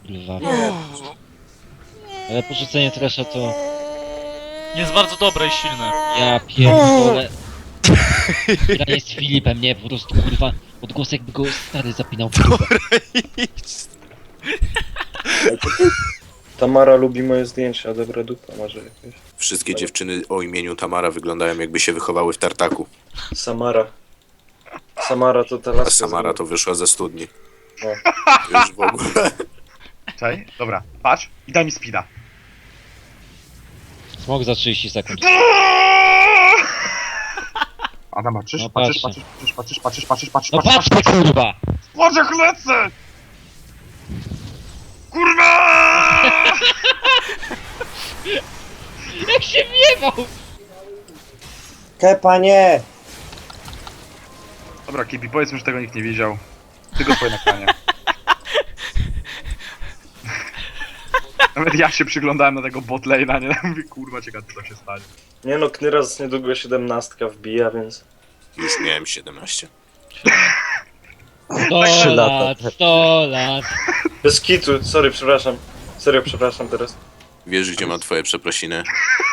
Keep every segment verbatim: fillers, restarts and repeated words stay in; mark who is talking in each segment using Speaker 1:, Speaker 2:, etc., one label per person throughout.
Speaker 1: kurwa. Ale porzucenie Thrasha to...
Speaker 2: Jest bardzo dobre i silne.
Speaker 1: Ja pierdolę. Granie z Filipem, nie, po prostu kurwa. Odgłos jakby go stary zapinał w dupę.
Speaker 3: Tamara lubi moje zdjęcia, dobra dupa może jakieś.
Speaker 4: Wszystkie dziewczyny o imieniu Tamara wyglądają jakby się wychowały w tartaku.
Speaker 3: Samara. Samara to ta
Speaker 4: A
Speaker 3: laska.
Speaker 4: Samara to wyszła ze studni.
Speaker 3: No.
Speaker 4: Już w ogóle.
Speaker 5: Czekaj, dobra, patrz i daj mi speeda.
Speaker 1: Smok za trzydzieści sekund.
Speaker 5: Adam, patrzysz,
Speaker 1: No
Speaker 5: patrzysz,
Speaker 1: patrzę.
Speaker 5: patrzysz, patrzysz, patrzysz, patrzysz, patrzysz,
Speaker 1: No
Speaker 5: patrzysz,
Speaker 1: patrzcie kurwa!
Speaker 5: patrz jak lecę! Kurwa!
Speaker 1: Jak się wiewał!
Speaker 6: Kepa nie!
Speaker 5: Dobra, Kipi, powiedzmy, że tego nikt nie widział. Tylko twoje nagranie. Nawet ja się przyglądałem na tego botlane'a, nie? Mówię, kurwa, ciekawe co się stanie.
Speaker 3: Nie no, Knyras niedługo siedemnastka wbija, więc...
Speaker 4: Już miałem siedemnaście.
Speaker 1: sto lat, sto lat.
Speaker 3: Bez kitu, sorry, przepraszam. Serio, przepraszam teraz.
Speaker 4: Wiesz, gdzie mam twoje przeprosiny?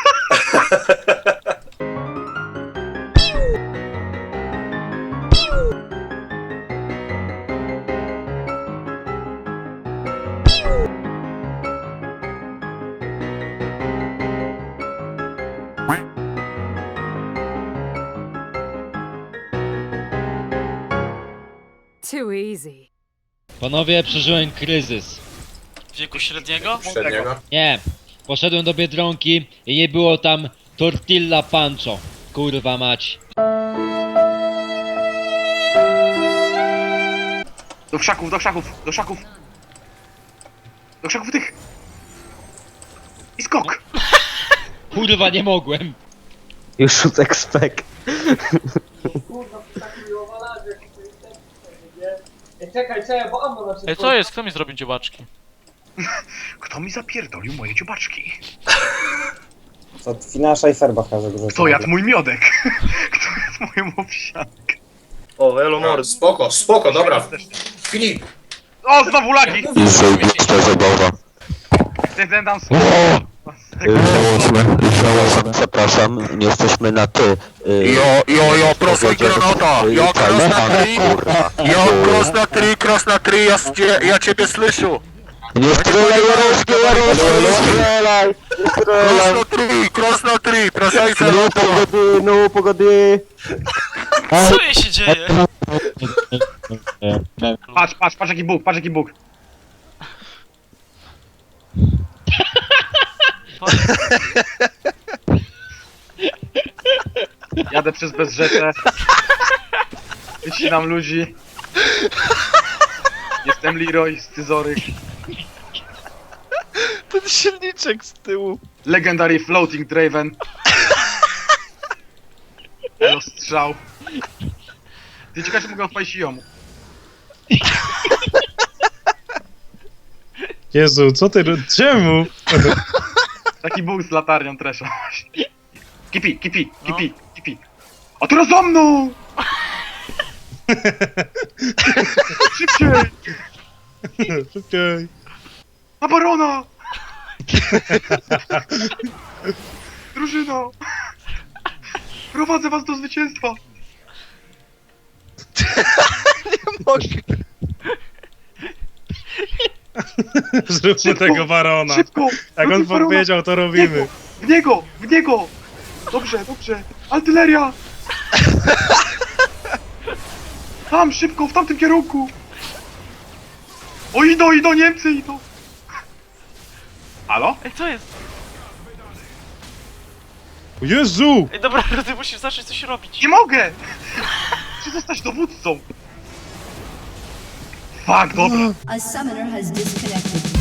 Speaker 7: Too easy.
Speaker 1: Panowie, przeżyłem kryzys.
Speaker 2: Wieku średniego?
Speaker 4: Średniego?
Speaker 1: Nie. Poszedłem do Biedronki i nie było tam tortilla pancho. Kurwa mać.
Speaker 5: Do krzaków, do krzaków, do krzaków! Do krzaków tych! I skok!
Speaker 1: Kurwa nie mogłem.
Speaker 6: Już shoot expect.
Speaker 8: Czekaj, czekaj, bo ammo na
Speaker 2: Ej, co jest? Kto mi zrobił dziobaczki?
Speaker 5: Kto mi zapierdolił moje dziobaczki?
Speaker 6: Co Finasza i Ferbach że dużo.
Speaker 5: Kto jadł mój miodek? Kto jadł moją owsiankę?
Speaker 3: O, elo mord.
Speaker 4: Spoko, spoko, dobra. Filip!
Speaker 5: O, znowu lagi!
Speaker 9: Zajebista zabawa.
Speaker 5: Ten, ten tam...
Speaker 9: Żałosne, żałosne. Zapraszam, nie jesteśmy na ty.
Speaker 4: Jo, jo, jo, proszę granata! Jo, cross na tri! Jo, cross na tri, cross na tri, ja, cie, ja ciebie słyszę!
Speaker 9: Nie strzelaj, Jaroszki, Jaroszki, nie strzelaj! Nie
Speaker 4: Cross
Speaker 9: strzelaj!
Speaker 4: na tri, cross na tri, proszę
Speaker 9: No pogody, no pogody!
Speaker 2: Co jej się dzieje?
Speaker 5: Patrz, patrz, patrz jaki bóg, patrz jaki bóg. Jadę przez Bezrzeczę. Wycinam ludzi. Jestem Leroy z Tyzorych.
Speaker 10: Ten silniczek z tyłu.
Speaker 5: Legendary Floating Draven. Elo strzał. Ty ciekawe, czy mogę odpalić jomu.
Speaker 11: Jezu, co ty... ro- Czemu?
Speaker 5: Taki bóg z latarnią tresza. Kipi, kipi, kipi, kipi. A teraz za mną! Szybciej!
Speaker 11: Szybciej.
Speaker 5: Na barona! Drużyno! Prowadzę was do zwycięstwa!
Speaker 10: Nie mogę.
Speaker 11: Zróbmy
Speaker 5: Szybko,
Speaker 11: tego barona.
Speaker 5: Szybko!
Speaker 11: Jak on
Speaker 5: Wrócić barona.
Speaker 11: powiedział, to
Speaker 5: W
Speaker 11: robimy.
Speaker 5: niego! W niego! W niego! Dobrze, dobrze! Artyleria! Tam, szybko, w tamtym kierunku! O, idą, idą, Niemcy idą! Halo?
Speaker 2: Ej, co jest?
Speaker 11: O Jezu!
Speaker 2: Ej, dobra, ty musisz zacząć coś robić.
Speaker 5: Nie mogę! Chcę zostać dowódcą! Fuck, dobra!
Speaker 7: A summoner has disconnected.